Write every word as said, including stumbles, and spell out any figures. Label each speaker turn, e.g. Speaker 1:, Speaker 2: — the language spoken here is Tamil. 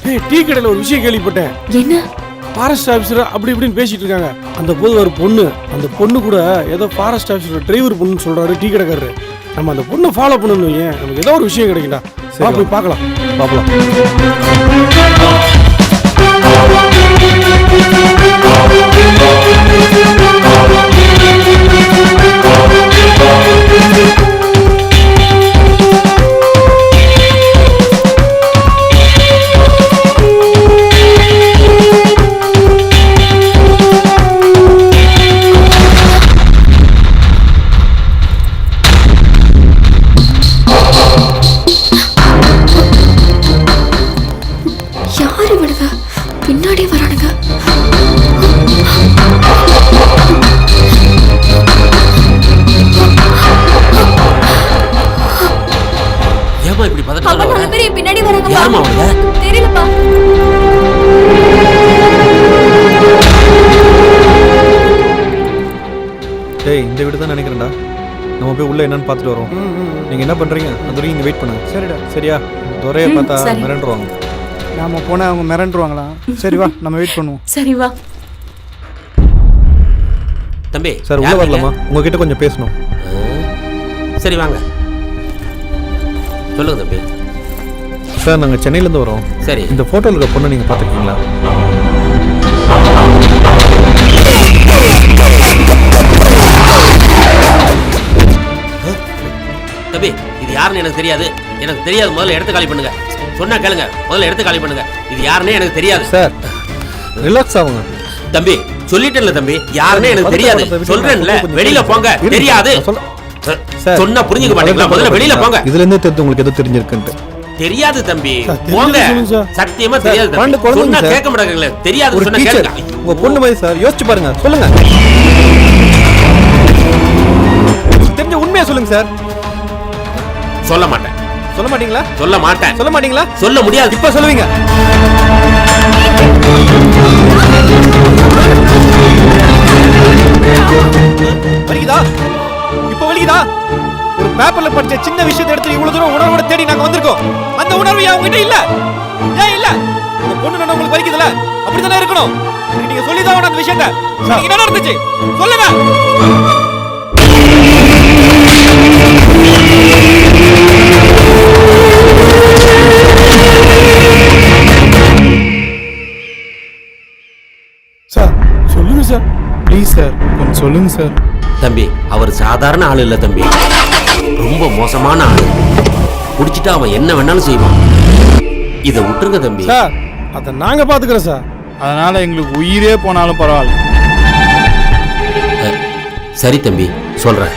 Speaker 1: ஏய், டீ கடையில் ஒரு விஷயம் கேள்விப்பட்டேன்.
Speaker 2: என்ன?
Speaker 1: ஃபாரஸ்ட் ஆஃபீஸர் அப்படி இப்படின்னு பேசிட்டு இருக்காங்க. அந்த போது ஒரு பொண்ணு, அந்த பொண்ணு கூட ஏதோ ஃபாரஸ்ட் ஆஃபீஸர் டிரைவர் பொண்ணுன்னு சொல்றாரு டீ கடைக்காரரு. நம்ம அந்த பொண்ணை ஃபாலோ பண்ணணும். ஏன் நமக்கு ஏதோ ஒரு விஷயம் கிடைக்கும்டா. வா போய் பார்க்கலாம்.
Speaker 3: பார்க்கலாம்.
Speaker 2: யாரு விடுங்க? பின்னாடி வரானுங்க.
Speaker 4: ஏமா இப்படி பதட்டமா
Speaker 2: அவங்க நாலு பேர் பின்னாடி வராங்க.
Speaker 4: யாருமா அவங்க?
Speaker 2: தெரியலப்பா.
Speaker 3: டேய், இந்த வீடு தான் நினைக்கிறேன்டா. நம்ம போய் உள்ள என்னன்னு பார்த்துட்டு வரோம். நீங்க என்ன பண்றீங்க? அது வரைக்கும் இங்க வெயிட் பண்ணுங்க.
Speaker 5: சரிடா.
Speaker 3: சரியா? துறையை பார்த்தா மிரண்டுருவாங்க.
Speaker 5: நாம போனால் அவங்க மிரண்டுருவாங்களா? சரி வா, நம்ம வெயிட் பண்ணுவோம்.
Speaker 2: சரி வா.
Speaker 4: தம்பி
Speaker 3: சார் உள்ள வரலாமா? உங்ககிட்ட கொஞ்சம் பேசணும்.
Speaker 4: சரி வாங்க. சொல்லுங்க தம்பி.
Speaker 3: சார் நாங்கள் சென்னையிலேருந்து வரோம்.
Speaker 4: சரி.
Speaker 3: இந்த ஃபோட்டோவில் இருக்க பொண்ணை நீங்கள் பார்த்துருக்கீங்களா?
Speaker 4: தம்பி இது யாருன்னு எனக்கு தெரியாது. எனக்கு தெரியாது. முதல்ல இடத்த காலி பண்ணுங்க. சொன்னா கேளுங்க. முதல்ல இடத்த காலி பண்ணுங்க. இது யாருன்னே எனக்கு தெரியாது.
Speaker 3: சார் ரிலாக்ஸ் ஆகுங்க.
Speaker 4: தம்பி சொல்லிட்டேன்ல தம்பி, யாருன்னே எனக்கு தெரியாது. சொல்றேன்ல, வெளியில போங்க. தெரியாது சொன்னா புரிஞ்சுக்க மாட்டீங்களா? முதல்ல வெளியில போங்க.
Speaker 3: இதுல இருந்தே தெரிஞ்சு உங்களுக்கு எது தெரிஞ்சிருக்குன்ட்டு.
Speaker 4: தெரியாது தம்பி, போங்க. சத்தியமா தெரியாது தம்பி. சொன்னா கேட்க மாட்டீங்களா? தெரியாது சொன்னா கேளுங்க.
Speaker 3: உங்க பொண்ணு மாதிரி சார், யோசிச்சு பாருங்க. சொல்லுங்க, தெரிஞ்ச உண்மையா சொல்லுங்க சார்.
Speaker 4: சொல்ல மாட்டேன்.
Speaker 3: சொல்ல மாட்டீங்களா?
Speaker 4: சொல்ல மாட்டேன்.
Speaker 3: சொல்ல மாட்டீங்களா?
Speaker 4: சொல்ல முடியாது.
Speaker 3: இப்ப சொல்லுவீங்க. வலிக்குதா? இப்ப வலிக்குதா? ஒரு பேப்பர்ல படிச்ச சின்ன விஷயத்தை எடுத்து இவ்வளவு தூரம் உணர்வோட தேடி நாங்க வந்திருக்கோம். அந்த உணர்வு ஏன் உங்ககிட்ட இல்ல? ஏன் இல்ல? உங்க பொண்ணு நான் உங்களுக்கு வலிக்குதுல, அப்படித்தானே இருக்கணும். நீங்க சொல்லிதான் அந்த விஷயத்தை. நீங்க என்ன நடந்துச்சு சொல்லுங்க.
Speaker 1: சார் சொல்லுங்க சார், ப்ளீஸ் சார், கொஞ்சம் சொல்லுங்க சார்.
Speaker 4: தம்பி அவர் சாதாரண ஆள் இல்ல தம்பி, ரொம்ப மோசமான ஆள். குடிச்சிட்டு அவன் என்ன வேணாலும் செய்வான். இதை விட்டுருங்க தம்பி.
Speaker 1: சார் அதை நாங்க பாத்துக்கிறோம் சார்.
Speaker 5: அதனால எங்களுக்கு உயிரே போனாலும் பரவாயில்ல.
Speaker 4: சரி தம்பி சொல்றேன்.